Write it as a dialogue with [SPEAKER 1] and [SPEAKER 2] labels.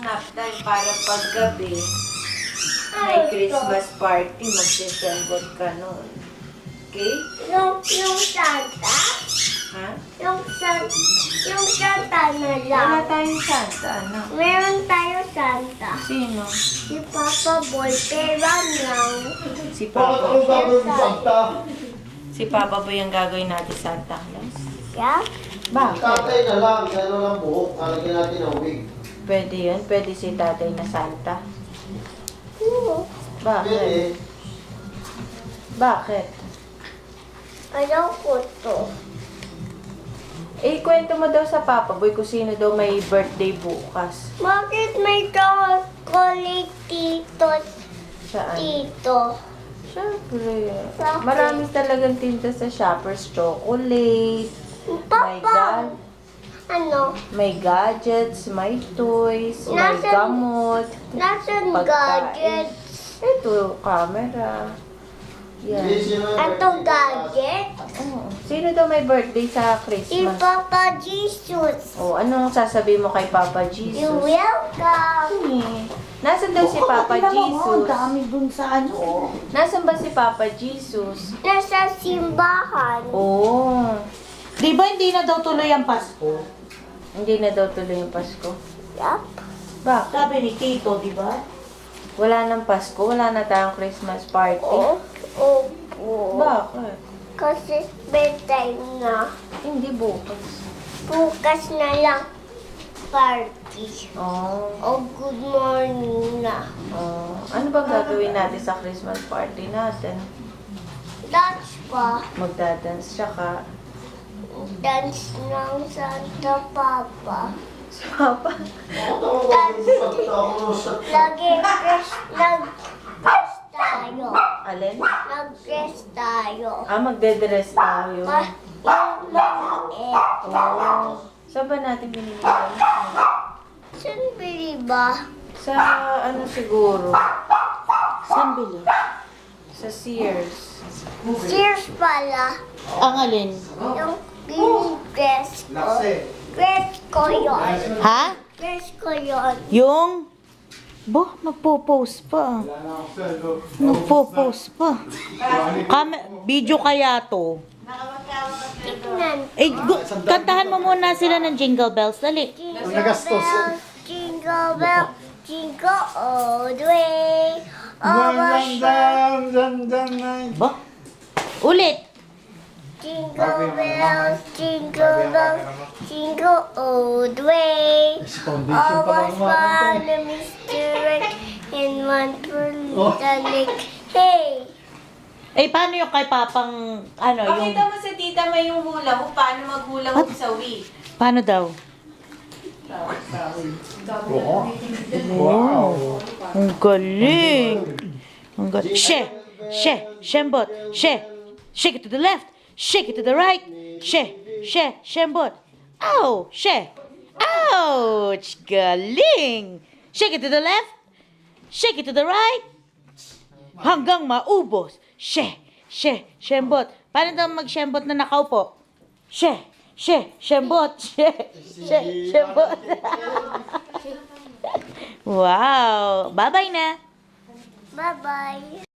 [SPEAKER 1] nap time para paggabi, may Christmas party, magsisembot ka nun. Okay?
[SPEAKER 2] Yung Santa?
[SPEAKER 1] Ha?
[SPEAKER 2] Yung Santa na lang.
[SPEAKER 1] Wala tayong Santa, ano?
[SPEAKER 2] Meron tayo Santa.
[SPEAKER 1] Sino?
[SPEAKER 2] Si Papa Boy, pero lang.
[SPEAKER 1] Si
[SPEAKER 3] Bakit
[SPEAKER 1] Papa.
[SPEAKER 3] anong gagawin mo, Santa?
[SPEAKER 1] Si Papa ba yung gagawin natin Santa Claus?
[SPEAKER 2] Yeah?
[SPEAKER 1] Bakit?
[SPEAKER 3] Tatay na lang, gano'n lang buhok. Kalagyan natin ng wig.
[SPEAKER 1] Pwede yun? Pwede si tatay na Santa?
[SPEAKER 2] Oo.
[SPEAKER 1] Bakit?
[SPEAKER 3] Pwede.
[SPEAKER 1] Bakit?
[SPEAKER 2] Ayaw ko to.
[SPEAKER 1] Eh, kwento mo daw sa Papa Boy kung sino daw may birthday bukas.
[SPEAKER 2] Bakit may chocolate dito?
[SPEAKER 1] Saan?
[SPEAKER 2] Dito.
[SPEAKER 1] Siyempre.
[SPEAKER 2] Bakit?
[SPEAKER 1] Marami talagang tinta sa Shoppers Chocolate.
[SPEAKER 2] Papa! Ano?
[SPEAKER 1] May gadgets, may toys, may
[SPEAKER 2] Nasaan-
[SPEAKER 1] gamot.
[SPEAKER 2] Nasaan
[SPEAKER 1] Pagkain.
[SPEAKER 2] gadgets?
[SPEAKER 1] Ito, camera. Yan.
[SPEAKER 2] Atong gadget?
[SPEAKER 1] Oh. Sino daw may birthday sa
[SPEAKER 2] Si
[SPEAKER 1] Christmas?
[SPEAKER 2] Papa Jesus.
[SPEAKER 1] Oh, anong sasabihin mo kay Papa
[SPEAKER 2] You're
[SPEAKER 1] Jesus?
[SPEAKER 2] welcome.
[SPEAKER 1] Nasaan daw si Papa Jesus?
[SPEAKER 4] dami dun sa ano.
[SPEAKER 1] Nasaan ba si Papa Jesus?
[SPEAKER 2] Nasa simbahan.
[SPEAKER 1] Oh,
[SPEAKER 4] Di ba hindi na daw tuloy ang Pasko?
[SPEAKER 1] hindi na daw tuloy yung Pasko.
[SPEAKER 2] Yup.
[SPEAKER 1] Bakit?
[SPEAKER 4] Sabi ni Tito, di ba?
[SPEAKER 1] Wala nang Pasko, wala na tayong Christmas party.
[SPEAKER 2] Opo.
[SPEAKER 1] Bakit?
[SPEAKER 2] Kasi bedtime na.
[SPEAKER 1] Hindi bukas.
[SPEAKER 2] Bukas na lang party.
[SPEAKER 1] Oh,
[SPEAKER 2] O good morning na.
[SPEAKER 1] oh. Ano bang gagawin natin sa Christmas party natin?
[SPEAKER 2] Dance pa.
[SPEAKER 1] Magdadance, tsaka
[SPEAKER 2] Dance ng Santa Papa.
[SPEAKER 1] si Papa.
[SPEAKER 2] Lagi nag-dress tayo.
[SPEAKER 1] Alin?
[SPEAKER 2] Nag-dress tayo.
[SPEAKER 1] Magde-dress tayo.
[SPEAKER 2] Yung maliit.
[SPEAKER 1] Oh. Saan ba natin binili yan?
[SPEAKER 2] Saan bili ba?
[SPEAKER 1] Sa ano siguro?
[SPEAKER 4] Saan bili?
[SPEAKER 1] Sa Sears.
[SPEAKER 2] Sears pala.
[SPEAKER 4] Ang alin?
[SPEAKER 2] Yung dress ko. Dress ko yun.
[SPEAKER 4] Ha?
[SPEAKER 2] Dress ko yun.
[SPEAKER 4] Yung? Nagpo-post pa. Nagpo-post pa. Video kaya to.
[SPEAKER 2] Tignan.
[SPEAKER 4] Kantahan mo muna sila ng Jingle Bells. Dali.
[SPEAKER 2] Jingle bell, jingle all the way. Over
[SPEAKER 4] Ba? Ulit.
[SPEAKER 2] jingle bells, jingle all the way. Always fun and mystery in one little lake. Hey!
[SPEAKER 4] Eh, paano yung kay Papang, ano, yung...
[SPEAKER 1] Pakita mo sa tita may yung hula hoop. Paano maghula hoop sa Wii?
[SPEAKER 4] Paano daw? Wow. Ang galing. Ang galing. Shembot. Shake it to the left. Shake it to the right. Shembot. Ow, Ouch, galing. Shake it to the left. Shake it to the right. Hanggang maubos. Shembot. Paano daw mag-shembot na nakaupo? Shembot. Shembot. Wow. Bye-bye na.
[SPEAKER 2] Bye-bye.